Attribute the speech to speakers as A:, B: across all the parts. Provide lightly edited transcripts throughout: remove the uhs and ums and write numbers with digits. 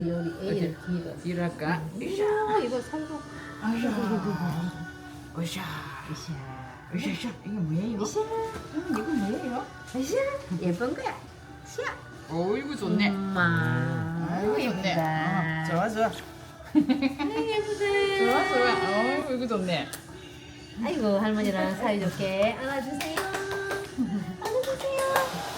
A: 요리 A를 D가
B: D를 할까?
A: 이거 살고
B: 으쌰.
A: 이샤
B: 으쌰. 이게 뭐예요?
A: 이샤
B: 이거 뭐예요?
A: 이샤 예쁜 거야 샤
B: 어이구 좋네.
A: 엄마
B: 아이고 좋네.
A: 예쁘다.
B: 좋아.
A: 아이 예쁘다
B: 좋아. 어이구 이거 좋네.
A: 아이고 할머니랑 사이좋게 안아주세요 안아주세요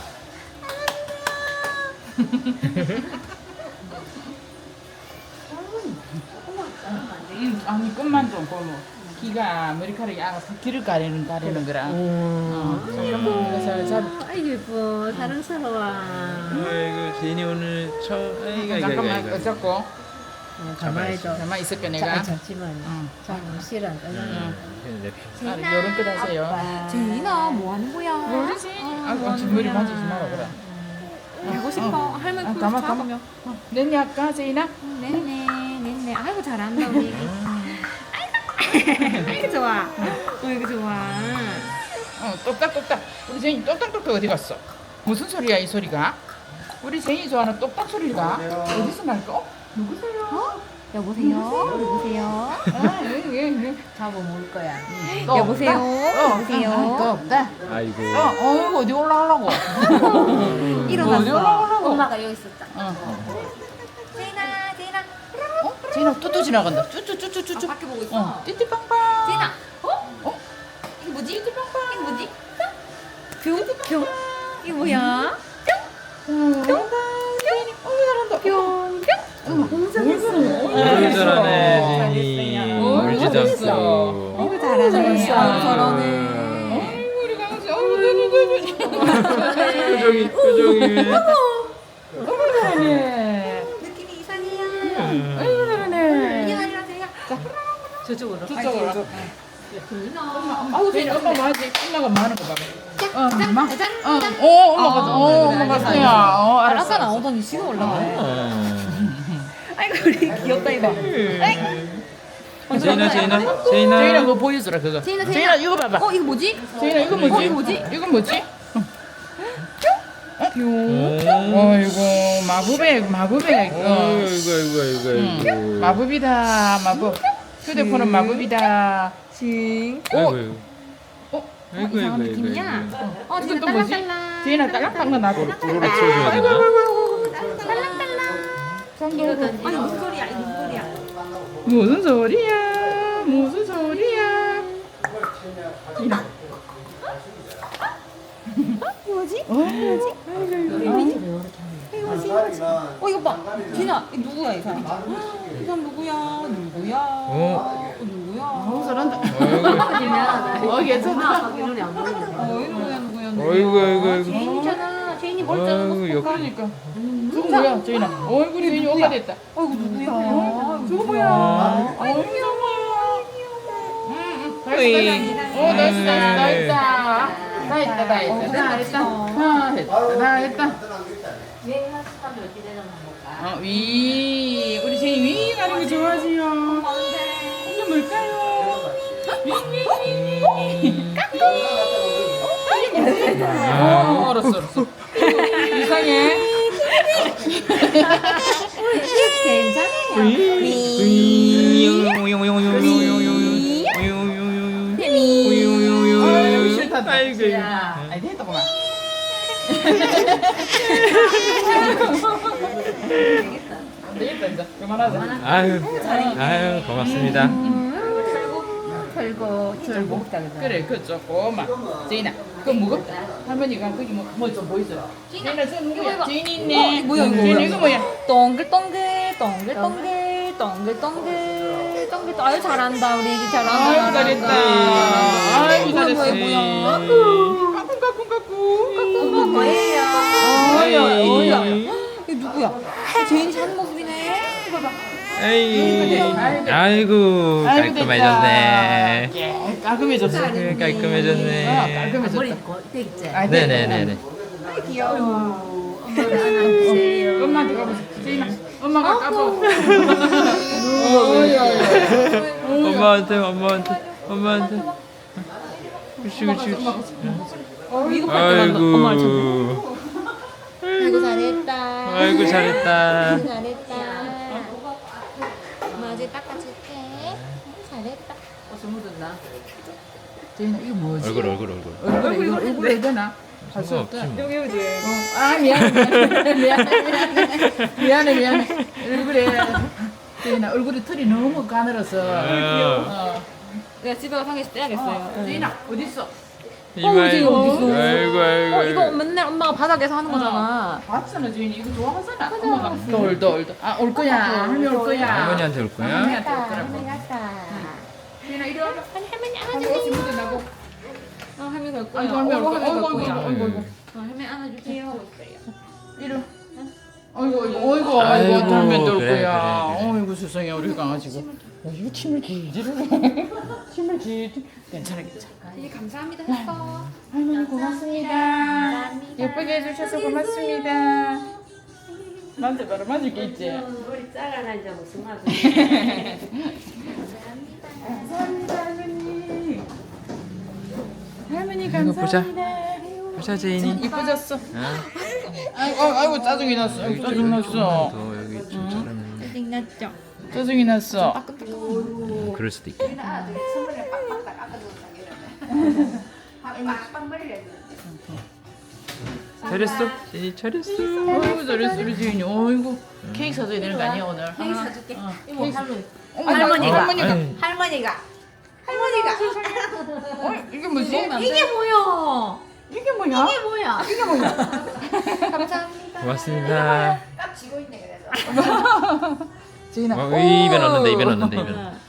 B: 아니 끝만 좀 걸로. 기가 머리카락이 알아서 길을 가리는 거라. 잠깐만 이거 잘 잡.
A: 아이고 예뻐 사랑스러워
C: 아이고 제인이 오늘 아이고
B: 잠깐만
C: 아이고
B: 잡고.
A: 가만히 좀
B: 가만 있을게 내가.
A: 잠시만 좀 싫어
B: 아, 요런 거 하세요.
D: 제인아 뭐 하는 거야?
B: 모르지. 아, 머리 만지지 마라 그래.
D: 알고 싶어. 할머니 품
B: 가만
D: 잡으면.
B: 냈니 아까 제인아?
D: 네네. 아이고 잘한다 우리 애기. 아이고 좋아. 아이고 좋아.
B: 똑딱똑딱. 우리 제인이 똑딱똑딱 어디 갔어? 무슨 소리야 이 소리가? 우리 제인이 좋아하는 똑딱 소리가 어디서 날까? 누구세요?
D: 여보세요?
A: 잡아 먹을 거야
D: 여보세요?
B: 또 없다.
C: 아이고
B: 어디 올라가려고? 어디
D: 일어났어.
B: 올라가려고?
A: 엄마가 여기 있었다
D: 제인아.
B: 제인아 뚜뚜 지나간다. 쭈쭈쭈쭈쭈.
D: 밖에 보고 있어.
B: 띠띠빵빵.
D: 제인아. 이게 뭐지? 이게 뭐지? 뿅. 이게 뭐야?
C: 너무 잘하네 제인이 울지도 않고
D: 아이고 잘하네. 저러네.
B: 아이고 우리 강아지. 어이구
C: 표정이
B: 너무 잘하네.
D: 느낌이 이상해요.
B: 아이고 잘하네.
D: 이게 아니라 제인아.
A: 저쪽으로
B: 저쪽으로. 아우 제인아 엄마 뭐하지? 엄마가 뭐 하는 거 봐봐. 엄마. 엄마가 갔어요.
D: 아까 나오더니 지금 올라가네. 아이고 우리 귀엽다 이거.
C: 제인아
B: 제인아 그거 보여주라 그거. 제인아 이거 봐봐.
D: 이거 뭐지?
B: 제인아 이거 뭐지?
D: 이거 뭐지?
B: 이건 뭐지? 어이구 마법이야 이거. 마법이다 마법. 휴대폰은 마법이다.
C: 아이고
D: 이상한 느낌이야.
B: 이건 또
D: 제인아
B: 뭐지?
D: 딸랑딸랑.
B: 제인아 딸랑딸랑 나고.
C: 뽀로로 치워줘야 되나?
D: 아니 무슨 소리야? 이거 무슨 소리야?
B: 무슨 소리야? 이라.
D: 뭐지?
A: 뭐지?
D: 이거 봐. 진아, 이 누구야 이 사람? 이 사람 누구야? 누구야?
B: 너무 잘한다.
A: 미안하다
B: 괜찮다.
A: 엄마 눈이 안 보이네
C: 아이고
D: 제인이잖아. 제인이
C: 아이고 역
B: 그러니까. 저거 뭐야 제인아? 얼굴이 제인이 오가 됐다.
D: 아이고 누구야?
B: 저거 뭐야? 어이구 다 했다.
A: 유행하시면 어떻게 되나 볼까
B: 우리 제이 윙 하는 거 좋아하지요. 이게 뭘까요? 윙. 알았어. 이상해. 싫다.
C: 아이고
B: 아이 됐다구만. 안 되겠다 이제 그만하자.
C: 아유 고맙습니다.
A: 털고 먹다 그래
B: 그래 그 조금만. 제인아 그거 무겁다. 할머니가 거기 뭐 좀 보여줘라. 제인아 저 누구야? 제인이 있네.
D: 이거 뭐야, 이거
B: 제인아
D: 뭐야?
B: 이거 뭐야?
D: 동글동글. 아유 잘한다 우리 애기 잘한다.
B: 아이고 잘했다. 아이고 잘했어.
D: 뭐야?
B: 까꿍.
D: 뭐예요?
B: 어이야.
D: 이게 누구야? 제인이 자는 모습이네. 이거 봐.
C: 아이고 깔끔해졌네.
B: 깔끔해졌어.
C: 깔끔해졌네.
B: 깔끔해졌다.
A: 머리 되겠지
C: 네네네네.
A: 귀여워 엄마가 안아주세요
B: 엄마한테 가보자. 제인아 엄마가 까봐.
C: 엄마한테. 그렇지.
B: 이거
C: 아이고.
D: 아이고 잘했다.
C: 아이고 잘했다.
D: 잘했다.
E: 이제 닦아줄게. 잘했다.
A: 옷을 묻었나?
B: 제인아 이거 뭐지?
C: 얼굴.
B: 얼굴 해야 되나? 할 수 없다.
C: 없지 뭐.
D: 여기 어디?
B: 아 미안해. 얼굴에 제인아 얼굴에 털이 너무 가늘어서.
D: 내가 집에 가서 한 개씩 떼야겠어요.
B: 제인아 어디 있어?
C: 이마에.
D: 어디 어디 있어?
C: 아이고.
D: 이거 맨날 엄마가 바닥에서 하는 거잖아.
B: 봤잖아 제인이 이거 좋아하잖아. 엄마가 돌. 올 거야. 할머니 올 거야.
C: 할머니한테 올 거야?
B: 할머니한테 올 거라고.
E: 할머니 갔다.
B: 제인아 이리 와봐.
E: 할머니
B: 아이고 옷이 묻어나고.
D: 할머니 갈 거야.
B: 아이고 할머니 올 거야.
D: 할머니 갈 거야.
C: 아이고.
D: 할머니 안아주세요.
B: 이리 와. 어이구 할머니 올
C: 그래,
B: 거야.
C: 그래.
B: 어이구 세상에 우리 강아지가. 이거 침을 길지를 침을 길지. 괜찮아.
E: 네, 감사합니다 했어.
B: 할머니 고맙습니다. 예쁘게 해주셔서 고맙습니다. 나한테 바로 맞을 게 있지?
A: 머리 잘라나 이제 무슨 말이야?
B: 감사합니다 할머니. 할머니
C: 이거 보자.
B: 감사합니다.
C: 보자 제인이.
B: 이뻐졌어.
C: 아,
B: 아이고 짜증이 났어. 짜증 났어.
C: 더 여기 좀 자르면.
E: 짜증났죠?
B: 짜증이 났어.
C: 그럴 수도 있겠네. 잘했어. 제인이 잘했어.
B: 어이구 잘했어 우리 지인이. 어이구 케이크 사줘야 되는 거 아니야 오늘?
E: 케이크 사줄게. 이모 할머니.
B: 할머니가.
E: 할머니가.
B: 이게 뭐지?
E: 이게 뭐야?
B: 이게 뭐야?
E: 이게 뭐야?
B: 이게 뭐야?
E: 감사합니다.
C: 고맙습니다.
E: 깍 쥐고 있네 그래서.
B: 지인아.
C: 입에 넣는데 입에 넣는데 입에 넣는데.